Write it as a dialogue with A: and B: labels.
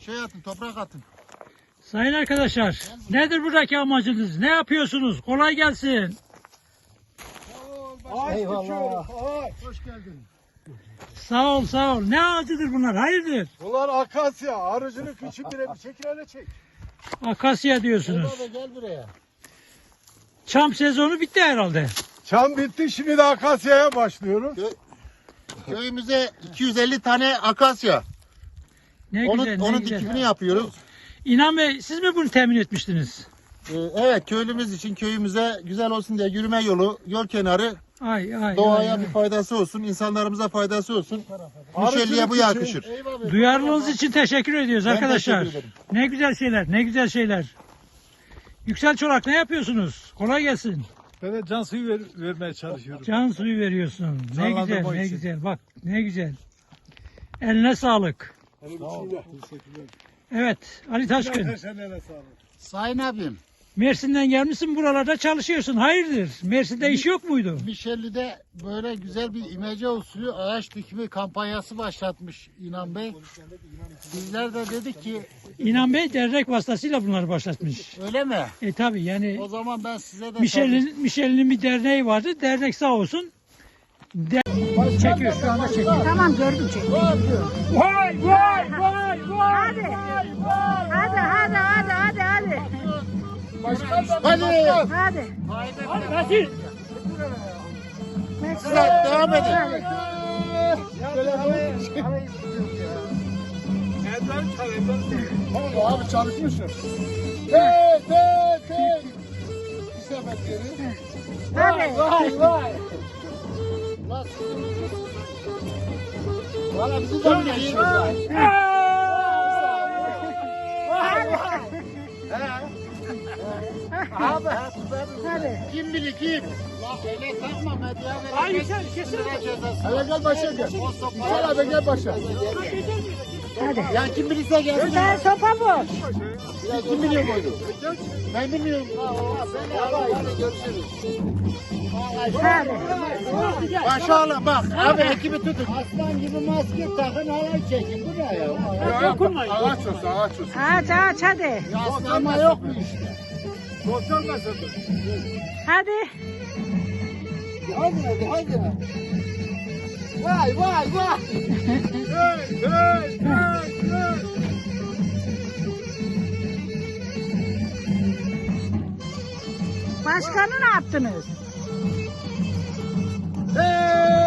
A: şey atın, toprak atın.
B: Sayın arkadaşlar, nedir buradaki amacınız? Ne yapıyorsunuz? Kolay gelsin.
C: Eyvallah.
A: Hoş geldin.
B: Sağ ol, sağ ol. Ne ağacıdır bunlar? Hayırdır?
C: Bunlar akasya. Arıcının küçük bir çekil hele çek.
B: Akasya diyorsunuz.
A: Baba gel buraya.
B: Çam sezonu bitti herhalde.
C: Çam bitti, şimdi de akasyaya başlıyoruz.
A: Köyümüze 250 tane akasya.
B: Ne
A: Onun,
B: güzel, ne
A: onun
B: güzel.
A: dikimini yapıyoruz.
B: İnan Bey, siz mi bunu temin etmiştiniz?
A: Evet, köylümüz için köyümüze güzel olsun diye yürüme yolu, yol kenarı,
B: Ay,
A: doğaya
B: ay,
A: bir faydası olsun, insanlarımıza faydası olsun.
C: Arıcılık
A: Müşelliye bu
C: için.
A: yakışır.
B: ay. Duyarlılığınız için teşekkür ediyoruz
A: Ben
B: arkadaşlar.
A: teşekkür ederim.
B: Ne güzel şeyler, ne güzel şeyler. Yüksel Çorak, ne yapıyorsunuz? Kolay gelsin.
C: Ben de can suyu vermeye çalışıyorum.
B: Can suyu veriyorsun. Ne
C: Canlandırma
B: güzel, ne
C: için.
B: güzel. Bak, ne güzel. Eline sağlık.
C: Sağ ol. Teşekkürler.
B: Evet, Ali Taşkın.
C: Teşekkürler, sağ olun.
A: Sayın abim,
B: Mersin'den gelmişsin, buralarda çalışıyorsun. Hayırdır? Mersin'de iş yok muydu?
A: Mişelli'de böyle güzel bir imece usulü ağaç dikimi kampanyası başlatmış İnan Bey. Bizler de dedik ki
B: İnan Bey dernek vasıtasıyla bunları başlatmış.
A: öyle mi?
B: Tabi yani
A: O zaman ben size de
B: Michelin bir derneği vardı. Dernek sağ olsun. Çekiyor, şu anda çekiyor.
D: Tamam gördüm çek.
B: Vay vay vay vay.
D: Hadi. Hadi.
A: Hadi.
D: Hadi.
B: Hadi Nasir.
A: Sıra devam edin.
C: Tamam abi, çalışmışım.
A: Bir sefer geri.
D: Hadi.
A: Vay. Valla bizi de biliyoruz. Abi
D: Hadi.
A: kim bilir kim? La öyle takma medya verin.
B: Hayır sen kesin.
C: Hele gel başa gel. Gel abi, gel başa.
D: Hadi.
A: Ya kim bilirse gelsin.
D: Sen sopa boş.
A: Ya kim biliyor bunu? Ben bilmiyorum. Hadi görüşürüz.
D: Hadi.
A: Başa alın bak. Abi ekibi tutun. Aslan gibi maske takın halay çekin. Bu ne ya?
B: Dokunmayın.
C: Ağaç olsun, ağaç olsun.
D: Aç hadi.
A: Yaslama yok mu işte?
C: Sosyal mesele.
D: Hadi.
A: Hadi. Vay.
C: Hey.
D: Başkanı ne yaptınız?
A: Hey!